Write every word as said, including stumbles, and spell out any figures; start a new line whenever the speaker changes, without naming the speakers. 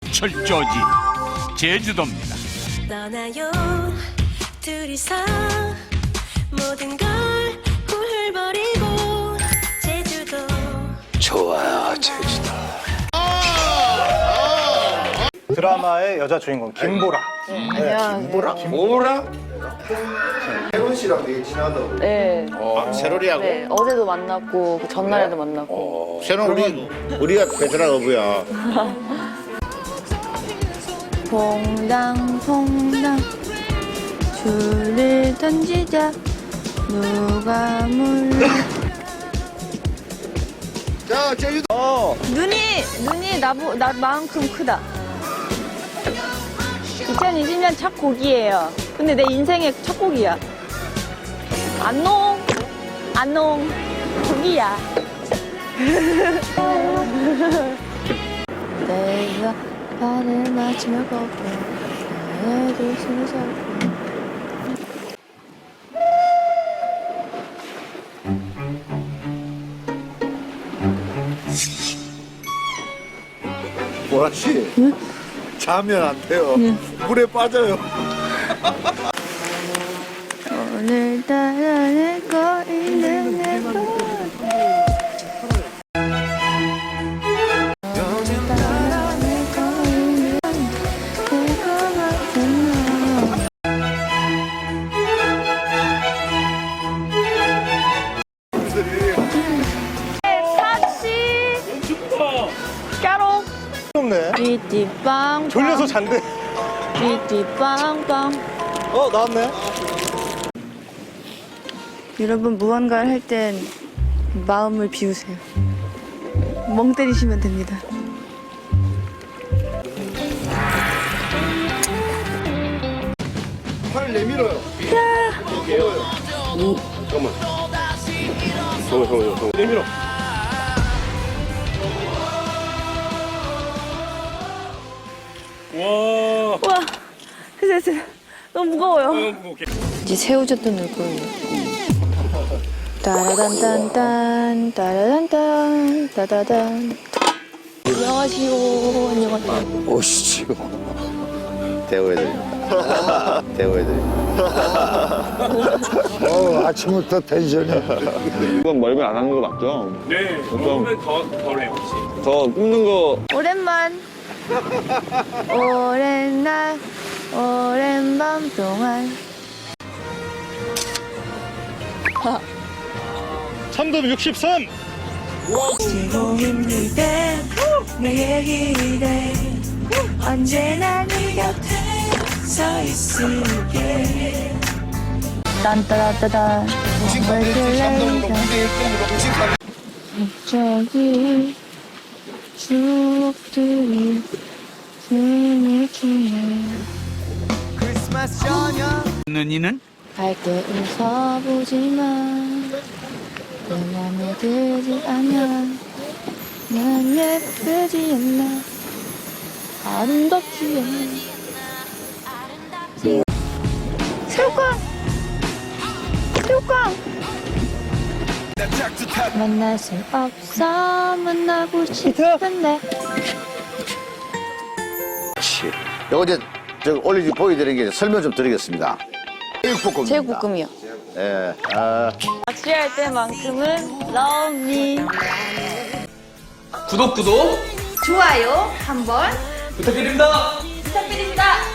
철저지 제주도입니다.
떠나요 둘이서 모든 걸 훌훌버리고 제주도
좋아요, 제주도.
드라마의 여자 주인공 김보라.
뭐라? 뭐라?
혜원 씨랑 되게 친하다고.
네.
어, 세로리하고?
네. 어제도 만났고 그 전날에도 만났고.
세로는 우리, 우리가 베테랑 어부야.
퐁당 퐁당 줄을 던지자 누가 몰라.
자, 제주도. 어.
눈이 눈이 나보 나만큼 크다. 이천이십 년 첫 곡이에요. 근데 내 인생의 첫 곡이야. 안농 안농 곡이야. 내가 발을 맞추며 걷고 나의 도심을 잡고.
보라 씨. 응? 자면 안 돼요.
응.
물에 빠져요.
오늘따라 내 거리는 내 거. 오늘따라 내 거리는 내거 같은 너. 타치. 까롱.
없네.
띠띠빵.
졸려서 잔대.
띠띠빵빵.
어, 나왔네.
여러분 무언가를 할 땐 마음을 비우세요. 멍 때리시면 됩니다.
팔 내밀어요.
오, 잠깐만. 잠깐만, 잠깐만, 잠깐만. 내밀어.
와, 됐어, 됐어. 너무 무거워요. 이제 새우젓도 넣을 거예요. 따라단딴딴, 따라단딴, 따다단. 안녕하시오, 안녕하세요.
오씨, 지금. 대우해드립니다. 대우해드립니다.
어, 아침부터 텐션이.
이건 멀면 안 하는 거 맞죠?
네, 먹으면 더 덜해요, 혹시.
저 굽는 거
오랜만, 오랜 날, 오랜 밤 동안.
참돔 육십삼.
지고 힘들 때 내게 기대 언제나 네 곁에 서 있을게.
딴따라따단. 갑자기 추억들이 숨을 주네.
있는 이는
밝게 웃어보지만 내 맘에 들지 않아. 난 예쁘지 않나 아름답지 않나. 새우깡! 새우깡! 만날 수 없어 만나고 싶은데.
그렇지. 요거 이제 저 올리지 보여드리는 게 설명 좀 드리겠습니다. 제육볶음입니다.
제육볶음이요.
예. 아.
낚시할 때만큼은 love me.
구독, 구독
좋아요 한번
부탁드립니다.
부탁드립니다.